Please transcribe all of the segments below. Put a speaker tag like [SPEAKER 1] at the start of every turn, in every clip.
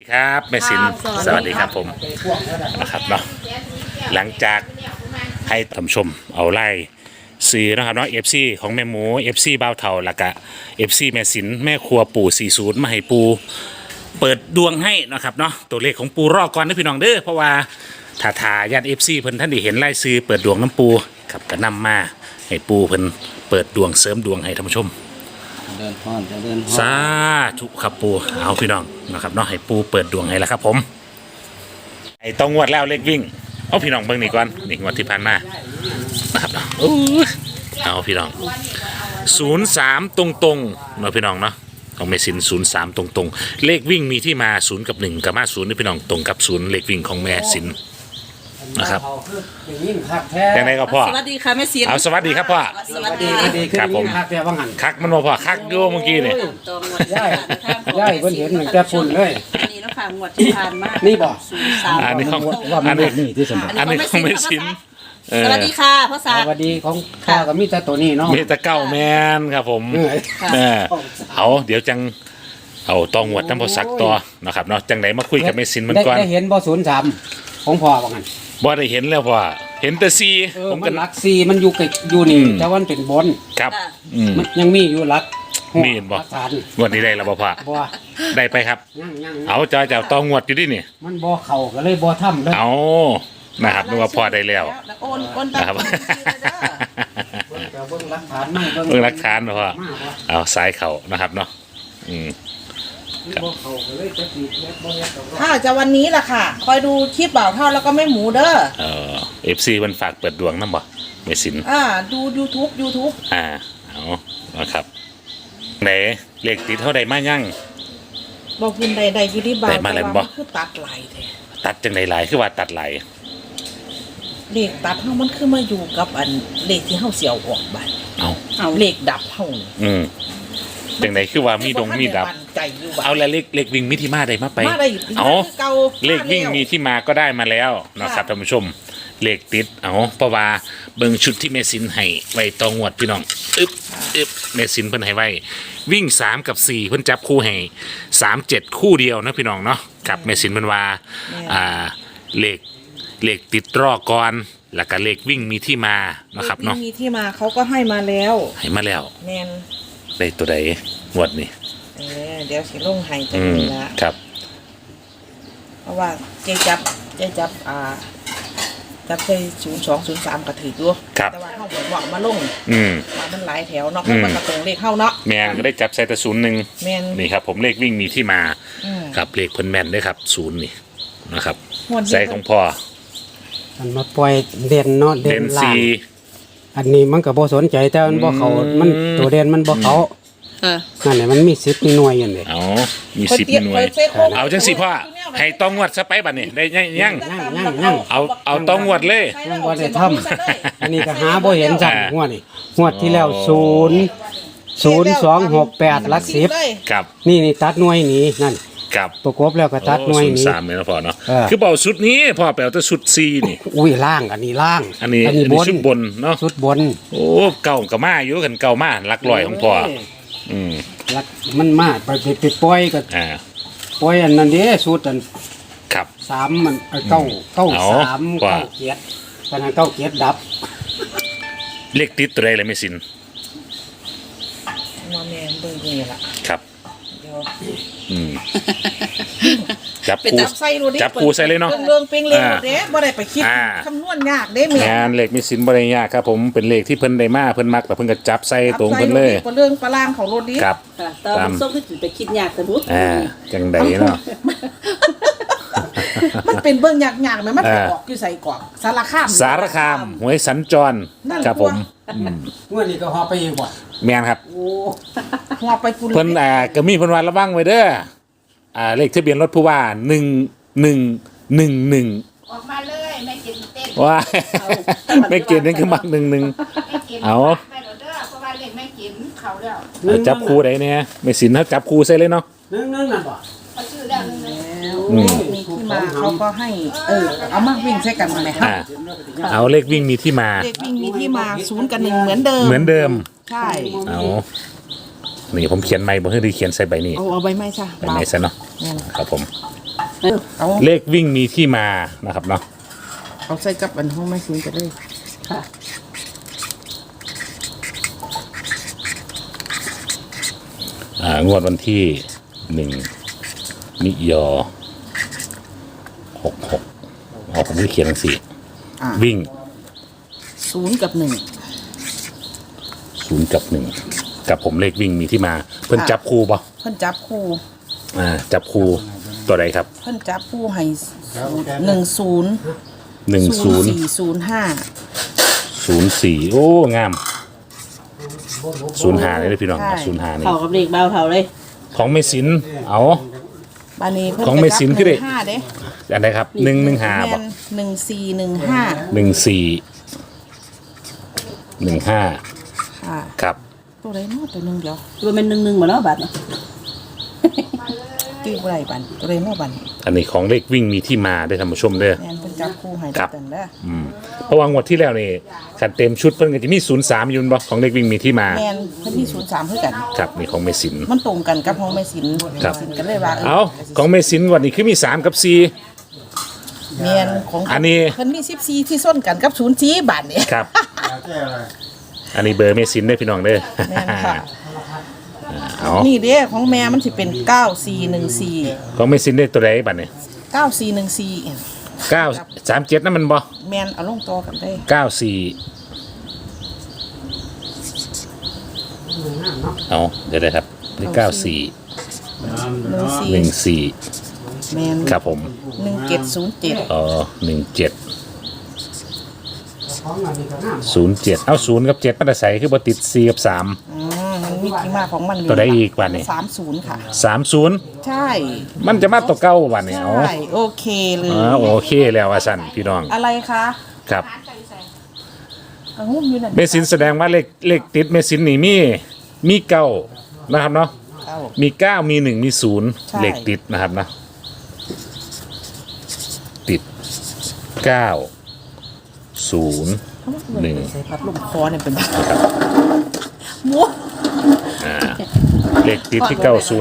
[SPEAKER 1] ครับแม่สินสวัสดีครับผมนะครับเนาะหลังจากให้ท่านผู้ชมเอาไล่ซื้อนะครับเนาะ FC ของแม่หมู FC บ่าวเฒ่าแล้วก็ FC แม่สินแม่ครัวปู่40มาให้ปูเปิดดวงให้นะครับเนาะตัวเลขของปูรอก่อนนะพี่น้องเด้อเพราะว่าถ้าญาติ FC เพิ่นท่านได้เห็นไล่ซื้อเปิดดวงน้ำปูครับก็นำมาให้ปูเพิ่นเปิดดวงเสริมดวงให้ท่านผู้ชม
[SPEAKER 2] เดินห้อนจะเดินห้อน
[SPEAKER 1] สาธุครับปูเอาพี่น้องนะครับเนาะให้ปูเปิดดวงให้แล้วครับผมไอ้ต้องงวดแล้วเลขวิ่งเอาพี่น้องเบิ่งนี่ก่อนนี่งวดที่ผ่านมานะครับเนาะเอาพี่น้อง03ตรงๆเนาะพี่น้องเนาะของเมสิน03ตรงๆเลขวิ่งมีที่มา0กับ1กับมา0นี่พี่น้องตรงกับ0เลขวิ่งของแม่สินนะครับยังไงก็พ่อ
[SPEAKER 3] สวัสดีค่ะแม่สิน
[SPEAKER 1] เอาสวัสดีครับพ่อ
[SPEAKER 3] สวัสดี
[SPEAKER 1] ครับผมคักมันบ่พ่อคักอยู่เมื่อกี้นี่
[SPEAKER 2] ย่ายเพิ่นเห็นเหมือนแต่ฝุ่นเลย
[SPEAKER 3] นี่แล้วค่ะงวดที่ผ่านมา
[SPEAKER 2] นี่บ่
[SPEAKER 1] อันนี้ของ
[SPEAKER 2] อันนี้ที่สมบัติ
[SPEAKER 1] อันนี้ของแม่สิน
[SPEAKER 3] สวัสดีค่ะพ่อสา
[SPEAKER 2] สวัสดีของข้าก็มีแต่ตัวนี้เนาะ
[SPEAKER 1] มีแต่เก้าแมนครับผมเอาเดี๋ยวจังเอาตองหวดน้ำพอสักต่อนะครับเนาะจังไหนมาคุยกับแม่สินมันก่อน
[SPEAKER 2] ได้เห็นบ่03ของพ่อว่างั้น
[SPEAKER 1] บ่ได้เห็นแล้วพ่อเห็นแต่ซี
[SPEAKER 2] ผมก็รักซีมันอยู่นี่แต่ว่ามันเป็นบน
[SPEAKER 1] ครับ
[SPEAKER 2] มันยังมีอยู่รัก
[SPEAKER 1] มีเห็นบ่วันนี้ได้แล้วบ่พ่อได้ไปครับเอาจะตองหวดอยู่ดินี่
[SPEAKER 2] มันบ่เข้าก็เลยบ่ทำเลย
[SPEAKER 1] เอานะครับนึกว่าพ่อได้แล้วนะครับ
[SPEAKER 2] เบิ่งหลักฐานไม่
[SPEAKER 1] เบิ่งหลักฐานพ่อเอาสายเข่านะครับเนาะ
[SPEAKER 3] ถ้าจะวันนี้ล่ะค่ะคอยดูคลิปบ่าวเท่าแล้วก็แม่หมูเด้อ
[SPEAKER 1] FC มันฝากเปิดดวงนำบ่แม่สิน
[SPEAKER 3] ดู YouTube
[SPEAKER 1] เอาครับไหนเลขติดเท่าใดมายัง
[SPEAKER 3] บอกคุณใดอยู่ที่บ้าน
[SPEAKER 1] ได้มาแล้วบ่
[SPEAKER 3] คือตัดไหลแท้
[SPEAKER 1] ตัดจังได๋หลายคือว่าตัดไหล
[SPEAKER 3] เลขตัดเฮามันคือมาอยู่กับอันเลขที่เฮาเสียวออกบัดเอาเลขดับเฮา
[SPEAKER 1] จังไดคือว่ามีดงมีดับเอาแล้วเลขวิ่งมีที่มาได้มาไปเอาเลขวิ่งมีที่มาก็ได้มาแล้วนะครับท่านผู้ชมเลขติดเอาเพราะว่าเบิ่งชุดที่เมสินให้ไว้ตองวดพี่น้องเมสินเพิ่นให้ไว้วิ่ง3กับ4เพิ่นจับคู่ให้37คู่เดียวนะพี่น้องเนาะกับเมสินเพิ่นว่าเลขติดรอก่อนแล้วก็เลขวิ่งมีที่มานะครับเนาะ
[SPEAKER 3] มีที่มาเขาก็ให้มาแล้ว
[SPEAKER 1] แม่นได้ตัวใดงวดนี่
[SPEAKER 3] เดี๋ยวสิลงให้จังนี้ละ
[SPEAKER 1] ครับ
[SPEAKER 3] เพราะว่าเจ๊จับไป0203ก็ถืออยู่แต่ว่าเฮาบ่บอกมาลงว่ามันหลายแถวเนาะเพราะมันก็ตรงเลขเฮาเนาะ
[SPEAKER 1] แม่นก็ได้จับใส่แต่01นี่ครับผมเลขวิ่งมีที่มาครับเลขเพิ่นแม่นด้วยครับ0นี่นะครับใส่ของพ่อ
[SPEAKER 2] มันมาปล่อยเด่นเนาะเด่นล่างอันนี้มันก็บ่สนใจแต่มันบ่เข้ามันตัวเด่นมันบ่เข้านั่นแหละมันมี10มีหน่วยอยู่นี่
[SPEAKER 1] มี10มีหน่วยเอาจังสิพ่อให้ต้องงวดซะไปบัดนี้ได้ยังเอาต้องงวดเลย
[SPEAKER 2] ยังบ่ได้ทำอันนี้ก็หาบ่เห็นจังงวดนี่งวดที่แล้ว0268หลัก10
[SPEAKER 1] ครับ
[SPEAKER 2] นี่ตัดหน่วยนี้นั่น
[SPEAKER 1] ครับ
[SPEAKER 2] ประกบแล้วก็ตัดหน่วยนี้
[SPEAKER 1] 03เนี่ยนะพ่อเนาะคือเป่าชุดนี้พ่อแปลว่าชุด4นี่
[SPEAKER 2] อุ้ยล่างอันนี้ล่าง
[SPEAKER 1] อันนี้ชุดบนเนาะ
[SPEAKER 2] ชุดบน
[SPEAKER 1] โอ้เก่ากับมาอยู่กันเก่ามาหลักร้อยของพ่อ
[SPEAKER 2] ลักมันมาไปปล่อยก็ปล่อยอันนั้นเด้ชุดอัน
[SPEAKER 1] ครับ
[SPEAKER 2] 3มัน9 7ขนาด9 7ดับ
[SPEAKER 1] เลขติดตัวใดเลยไม่สิน
[SPEAKER 3] ว่าแม่นเบิ่งนี่ล่ะ
[SPEAKER 1] ครับจับปูใส่เลยเนาะ
[SPEAKER 3] เรื่องเป็นเลขเด้บ่ได้ไปคิดคำนวณยากเด้แม่
[SPEAKER 1] นเลขมีสินบ่ได้ยากครับผมเป็นเลขที่เพิ่นได้มาเพิ่นมักแต่เพิ่นก็จับใส่ตรงเพิ่นเลย
[SPEAKER 3] เรื่องปลางของรถนี้
[SPEAKER 1] ครับ
[SPEAKER 3] ตามส้มที่ไปคิดยากแต่บุ๊
[SPEAKER 1] จังไดเนาะ
[SPEAKER 3] มันเป็นเบิ่งยากๆมั้ยมันออกอยู่ใส่กรอกสารคาม
[SPEAKER 1] หวยสัญจรครับผม
[SPEAKER 2] งวดนี้ก็ฮอไปอีกบ่
[SPEAKER 1] แม่นครับ
[SPEAKER 3] โอ้ฮอไปพุ่น
[SPEAKER 1] เพิ่นก็มีเพิ่นว่าระวังไว้เด้อเลขทะเบียนรถผู้ว่า1111
[SPEAKER 4] ออกมาเลยไม่กินเต้น
[SPEAKER 1] ว่าไม่กินนั่นคือมักเอา
[SPEAKER 4] เพราะว่าเลขไม่กินเขาแล้ว
[SPEAKER 1] จับคู่ได้เนี่ยไม่สินถ้าจับคู่ใส่เลยเนาะ
[SPEAKER 2] นั่นบ่
[SPEAKER 4] เขาชื่อแล้ว
[SPEAKER 3] มีที่มาเขาก็ให้เอามาวิ่งใส่กันไหมครับ
[SPEAKER 1] เอาเลขวิ่งมีที่มา
[SPEAKER 3] เลขวิ่งมีที่มา0กับ1เหมือนเดิมใช่
[SPEAKER 1] เอานี่ผมเขียนใหม่บ่ให้ดีเขียนใส่ใบนี้
[SPEAKER 3] เอาใบไม้ซะ
[SPEAKER 1] ใบไม้ซะเนาะครับผม
[SPEAKER 3] เอา
[SPEAKER 1] เลขวิ่งมีที่มานะครับเนาะ
[SPEAKER 3] เอาใส่กับอันห้องไม่ซื้อจะได้
[SPEAKER 5] ค่ะ
[SPEAKER 1] งวดวันที่1 มิยอ66ผมไม่ได้เขียนหนังสือวิ่ง
[SPEAKER 3] 0 กับ 1
[SPEAKER 1] 0 กับ 1 กับผมเลขวิ่งมีที่มา เพิ่นจับคู่ป่ะ
[SPEAKER 3] เพิ่นจับคู่
[SPEAKER 1] จับคู่ตัวใดครับ
[SPEAKER 3] เพิ่นจับคู่ให้10
[SPEAKER 1] 10
[SPEAKER 3] 04
[SPEAKER 1] 04โอ้งาม05เลยพี่น้อง
[SPEAKER 3] ใช่
[SPEAKER 1] 05นี่
[SPEAKER 5] เข้ากับเด็กเบาเท่าเลย
[SPEAKER 1] ของไม่สินเอา
[SPEAKER 3] บานี้เพิ่น
[SPEAKER 1] ของไม่สินคือเด็ก
[SPEAKER 3] 5เด้
[SPEAKER 1] อันใดครับ115
[SPEAKER 3] แม่
[SPEAKER 1] บ่
[SPEAKER 3] น1415
[SPEAKER 1] 1415
[SPEAKER 3] ค่ะ
[SPEAKER 1] ครับ
[SPEAKER 3] ตัวใดเนาะตัวหนึงเดียว
[SPEAKER 5] ตัวเป็น1-1บ่เนาะบาดเนาะ
[SPEAKER 3] ตื้อบ่ได้บันตัวใดเนาะบัน
[SPEAKER 1] อันนี้ของเลขวิ่งมีที่มาได้ท่านผู้ชมเด้อ
[SPEAKER 3] แม่นเพิ่นจับคู่ให้
[SPEAKER 1] ครับ
[SPEAKER 3] ตันเด้อ
[SPEAKER 1] เพราะว่างวดที่แล้วนี่ขันเต็มชุดเพิ่นก็จะมี03อยู่บ่ของเลขวิ่งมีที่มา
[SPEAKER 3] แม่นเพิ่นมี03คือกัน
[SPEAKER 1] ครับนี่ของเมสิน
[SPEAKER 3] มันตรงกันกับห้องแม่สิน
[SPEAKER 1] ครับ
[SPEAKER 3] สินก็เลยว่า
[SPEAKER 1] เอาของเมสินวันนี้คือมี3กับ4
[SPEAKER 3] แม่นของ
[SPEAKER 1] อันนี้
[SPEAKER 3] เพิ่นมี14ที่ส้นกันกับ04บาทนี่
[SPEAKER 1] ครับ อันนี้เบอร์เมสินได้อพี่น้องเด้อ
[SPEAKER 3] แม่นค่ะ
[SPEAKER 1] เอา
[SPEAKER 3] นี่เด้ของแม่มันสิเป็น9414
[SPEAKER 1] ของเมสินได้ตัวใดบัดนี้
[SPEAKER 3] 9414
[SPEAKER 1] 937นั่นมันบ่
[SPEAKER 3] แม่นเอาลงตัวกันได้
[SPEAKER 1] 94เอาเดี๋ยวได้ครับนี่94
[SPEAKER 3] 14
[SPEAKER 1] 14
[SPEAKER 3] แม่น
[SPEAKER 1] ครับผม
[SPEAKER 3] 1707
[SPEAKER 1] 17 07เอา0กับ7มันจะใส่คือบ่ติด4กับ3
[SPEAKER 3] มันมีที่มาของมันอยู่
[SPEAKER 1] ตัวใดอีกบัดนี้
[SPEAKER 3] 30ค่ะ
[SPEAKER 1] 30
[SPEAKER 3] ใช่
[SPEAKER 1] มันจะมาตัวเก่าบัดนี้เอา
[SPEAKER 3] ใช่โอเคเลย
[SPEAKER 1] โอเคแล้วว่าสั่นพี่น้อง
[SPEAKER 3] อะไรคะ
[SPEAKER 1] ครับ
[SPEAKER 3] เอาหุ้มอยู่นั่น
[SPEAKER 1] เมสินแสดงว่าเลขติดเมสินนี่มีเก้านะครับเนาะ
[SPEAKER 3] เอา
[SPEAKER 1] มีเก้ามี1มี0
[SPEAKER 3] ใช่
[SPEAKER 1] เลขติดนะครับนะติด9 0 1
[SPEAKER 3] ใส่พัดลมคอเนี่ยเป็นมัว
[SPEAKER 1] เลขติดที่901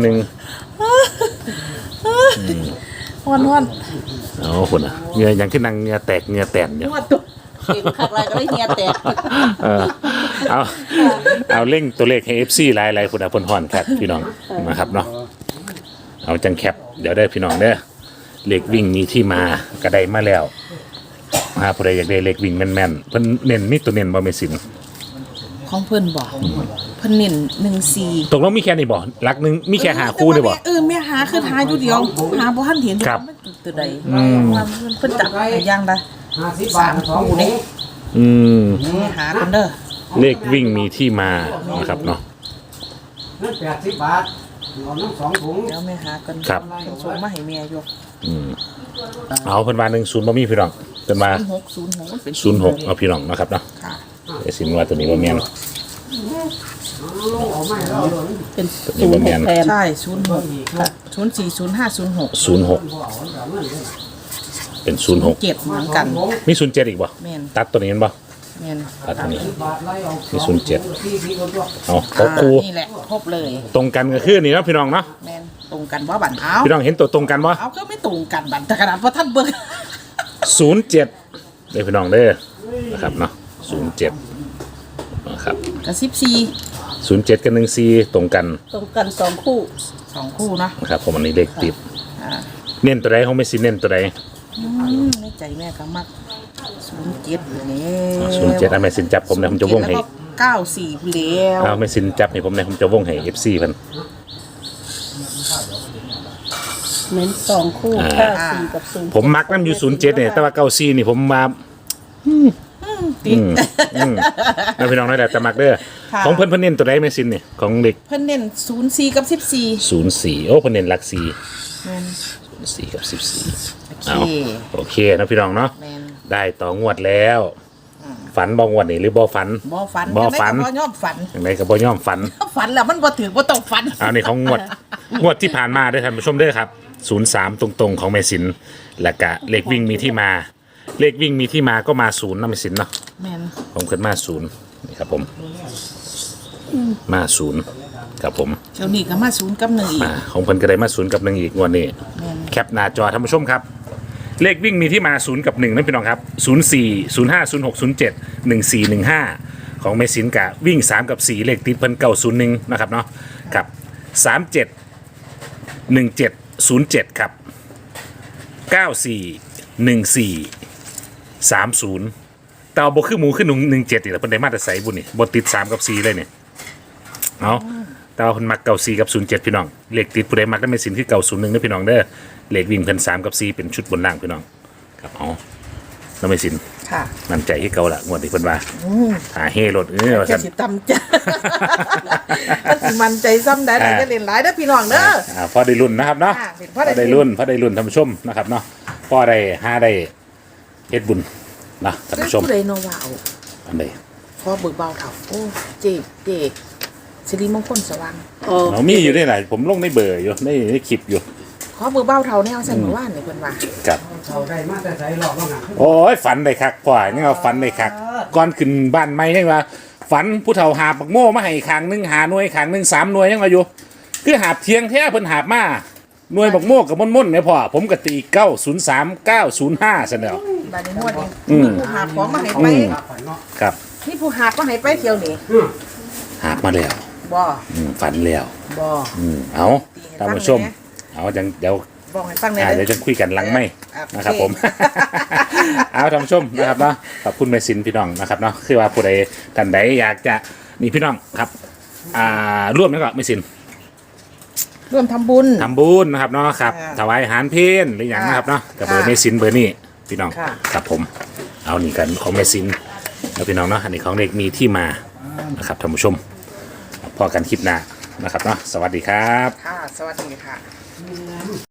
[SPEAKER 3] วัน
[SPEAKER 1] เอาคนอ่ะเหงื่อยังขึ้นนังเหงื่อแตกเหงื่อแตนอยู่
[SPEAKER 3] นวดตัว
[SPEAKER 5] เก่งคักไรก็ได้เฮียแตก
[SPEAKER 1] เออเอาเร่งตัวเลขให้ FC หลายๆคนอ่ะเพิ่นฮ้อนครับพี่น้องนะครับเนาะเอาจังแคปเดี๋ยวได้พี่น้องเด้อเลขวิ่งมีที่มาก็ได้มาแล้วผู้ใดอยากได้เลขวิ่งแม่นๆเพิ่นเน้นมีตัวเน้นบ่แม่สิน
[SPEAKER 3] ของเพิ่นบอกเพิ่นเน้น14
[SPEAKER 1] ตกลงมีแค่นี้บ่หลักหนึงมีแค่หาคู่นี่บ่
[SPEAKER 3] แม่หาคือหาอยู่เดียวหาบ่ทันเห็น
[SPEAKER 1] ครับ
[SPEAKER 3] มันตัวใดว่าเพิ่นจับให้อย่างใด
[SPEAKER 2] 50 2
[SPEAKER 3] นี่
[SPEAKER 1] อืม
[SPEAKER 3] แม่หาคนเด้อ
[SPEAKER 1] เลขวิ่งมีที่มานะครับเนาะ
[SPEAKER 2] นั่น80 บาทเอาน้ำ2 ถุง
[SPEAKER 3] เดี๋ยวแม่หากัน
[SPEAKER 1] ครับ
[SPEAKER 3] เพิ่นส่งมาให้แม่อยู่
[SPEAKER 1] เอาเพิ่นว่า10บ่มีพี่น้องเพิ่นว่า
[SPEAKER 3] 06มันเป็น
[SPEAKER 1] 06เอาพี่น้องนะครับเนาะ
[SPEAKER 3] ค่ะ
[SPEAKER 1] ไอ้สินว่าตัวนี้บ่แม่น
[SPEAKER 2] เอาไม่แล้ว
[SPEAKER 5] เป็น
[SPEAKER 1] ตัวนี้บ่แม่น
[SPEAKER 5] แทน
[SPEAKER 3] ใช่06 04 05 06
[SPEAKER 1] 06เป็น06
[SPEAKER 3] 7เหมือนกัน
[SPEAKER 1] มี07อีกบ่
[SPEAKER 3] แม่น
[SPEAKER 1] ตัดตัวนี้แม่นบ่
[SPEAKER 3] แม่น
[SPEAKER 1] ตัดตัวนี้
[SPEAKER 2] บาทไล่เอา
[SPEAKER 1] มี07เอาครบคู่
[SPEAKER 3] นี่แหละครบเลย
[SPEAKER 1] ตรงกันก็คือนี่เนาะพี่น้องเนาะ
[SPEAKER 3] แม่นตรงกันบ่บันเอา
[SPEAKER 1] พี่น้องเห็นตัวตรงกันบ่
[SPEAKER 3] เอาก็ไม่ตรงกันบันแต่ขนาดว่าท่านเบิ่ง
[SPEAKER 1] 07เด้อพี่น้องเด้อนะครับเนาะ07นะครับ
[SPEAKER 3] กับ14
[SPEAKER 1] 07กับ14ตรงกัน
[SPEAKER 5] ตรงกัน2 คู่
[SPEAKER 3] 2คู่เนาะ
[SPEAKER 1] นะครับผมอันนี้เลขติด
[SPEAKER 3] อ่า
[SPEAKER 1] เน้นตัวใดของไม่สิเน้นตัวใด
[SPEAKER 3] ในใจแม่ก็มัก07อยู่นี่
[SPEAKER 1] 07อันไม่สินจับผมนะผมจะวงให้
[SPEAKER 3] แล้วก็94ผู้แล้ว
[SPEAKER 1] เอาไม่สินจับให้ผมนะผมจะวงให้ FC เพิ่น
[SPEAKER 5] เน้น2 คู่94กับ0
[SPEAKER 1] ผมมักน้ำอยู่07เนี่ยแต่ว่า94นี่ผมมา
[SPEAKER 3] ติด
[SPEAKER 1] นะพี่น้องน้อยแต่มักเด้อ
[SPEAKER 3] ค่ะ
[SPEAKER 1] ของเพิ่นเน้นตัวใดไม่สินเนี่ยของเด็ก
[SPEAKER 3] เพิ่นเน้น04กับ14
[SPEAKER 1] 04โอ้เพิ่นเน้นหลัก4
[SPEAKER 3] แม่น
[SPEAKER 1] 4กับ14
[SPEAKER 3] โอ
[SPEAKER 1] เอา
[SPEAKER 3] เค
[SPEAKER 1] โอเคนะพี่น้องเนาะ
[SPEAKER 3] แม่น
[SPEAKER 1] ได้ต่องวดแล้ว ฝันบ่งวดนี่หรือบ่ฝัน
[SPEAKER 3] บ่ฝัน
[SPEAKER 1] บ่ฝัน
[SPEAKER 3] จังได๋ก็บ่ยอมฝัน
[SPEAKER 1] อย่างไรก็บ่ย่อมฝัน
[SPEAKER 3] ฝันแล้วมันบ่ถือบ่ต้องฝัน
[SPEAKER 1] เอานี่ของงวดที่ผ่านมาด้วยท่านผู้ชมเด้อครับ03ตรงๆของแม่สินแล้วก็เลขวิ่งมีที่มา เลขวิ่งมีที่มาก็มา0นะแม่สินเนาะ
[SPEAKER 3] แม่น
[SPEAKER 1] ผมขึ้นมา0นี่ครับผมมา0 ครับผม
[SPEAKER 3] เจ้านี่ก็มา0กับ1อีก
[SPEAKER 1] ของเพิ่นก็ได้มา0กับ1อีกงวดนี้
[SPEAKER 3] แม่น
[SPEAKER 1] แคปหน้าจอท่านผู้ชมครับ เลขวิ่งมีที่มา0กับ1นั่นพี่น้องครับ04 05 06 07 14 15ของเมสินกะวิ่ง3กับ4เลขติดเพิ่น901นะครับเนาะกับ37 17 07ครับ94 14 30เตาบ่คือหมูขึ้น17อีกแล้วเพิ่นได้มาแต่ใส่บุญนี่บ่ติด3กับ4เลยเนี่ยเอาเตาเพิ่นมัก94กับ07พี่น้องเลขติดผู้ใดมักได้เมสินคือ901เด้อพี่น้องเด้อเลขวิ่งเพิ่น3กับ4เป็นชุดบนล่างพี่น้องครับเอาแล้วเมสิน
[SPEAKER 3] ค่ะ
[SPEAKER 1] มั่นใจที่เก่าละงวดที่เพิ่นว่าหาเฮรถว่า
[SPEAKER 3] จะ
[SPEAKER 1] ซั่น
[SPEAKER 3] สิตำจ้ะมันสิมันใจซ้ำได้แต่จะเล่นหลายเด้อพี่น้องเด้อ
[SPEAKER 1] พอได้รุ่นนะครับเนาะ
[SPEAKER 3] ค่ะเป็น
[SPEAKER 1] พอได้รุ่นท่านผู้ชมนะครับเนาะพอได้หาได้เฮ็ดบุญนะท่านผู้ชม
[SPEAKER 3] ผู้ใดโนว่าเอา
[SPEAKER 1] อันใด
[SPEAKER 3] พอเบิกเบาเถาโอ้เจ๊สิริมงคลสว่าง
[SPEAKER 5] โอ้
[SPEAKER 1] เรามีอยู่ได้หลายผมลงในเบอร์อยู่ในคลิปอยู่
[SPEAKER 3] ขอเบิกเบาเถาแนวใส่เมื่อวานนี่เพิ่นว่า
[SPEAKER 1] ครับ
[SPEAKER 2] เขาได้มาแต่ใส่รอบว่างั้น
[SPEAKER 1] โอ้ยฝันได้คักพ่อนี่ว่าฝันได้คักก่อนขึ้นบ้านใหม่ยังว่าฝันผู้เฒ่าหาบบักโม่มาให้ข้างหนึงหาหน่วยข้างหนึง3หน่วยยังว่าอยู่คือหาบเทียงแท้เพิ่นหาบมาหน่วยบักโม่กับม่อนๆเนี่ยพ่อผมก็ตี903 905ซั่นแล้ว
[SPEAKER 3] บัดนี้งวดนี้
[SPEAKER 1] อืม
[SPEAKER 3] ผู้หาของมาให้ไป
[SPEAKER 1] ครับ
[SPEAKER 3] นี่ผู้หามาให้ไปเที่ยวนี่
[SPEAKER 1] หาบมาแล้ว
[SPEAKER 3] บ่
[SPEAKER 1] ฝันแล้ว
[SPEAKER 3] บ่
[SPEAKER 1] เอาท่านผู้ชม เอาจังเดี๋ยว
[SPEAKER 3] บอกให้ฟังหน่อย
[SPEAKER 1] เดี๋ยวจะคุยกันหลังไม่
[SPEAKER 3] โอเค
[SPEAKER 1] นะครับผม เอาท่านผู้ชมนะครับเนาะขอบคุณแม่สินพี่น้องนะครับเนาะคือว่าผู้ใดท่านใดอยากจะนี่พี่น้องครับร่วมนะครับแม่สิน
[SPEAKER 3] ร่วมทำบุญ
[SPEAKER 1] ทำบุญนะครับเนาะครับ
[SPEAKER 3] ค่ะ
[SPEAKER 1] ถวายอาหารเพลหรืออย่างนะครับเนาะกับเบอร์
[SPEAKER 3] ค่ะ
[SPEAKER 1] แม่สินเบอร์นี้พี่น้อง
[SPEAKER 3] ค่ะ
[SPEAKER 1] ครับผม เอานี่กันของแม่สินแล้วพี่น้องเนาะอันนี้ของเด็กมีที่มานะครับท่านผู้ชมพอกันคลิปหน้านะครับเนาะสวัสดีครับ
[SPEAKER 3] ค่ะ สวัสดีค่ะ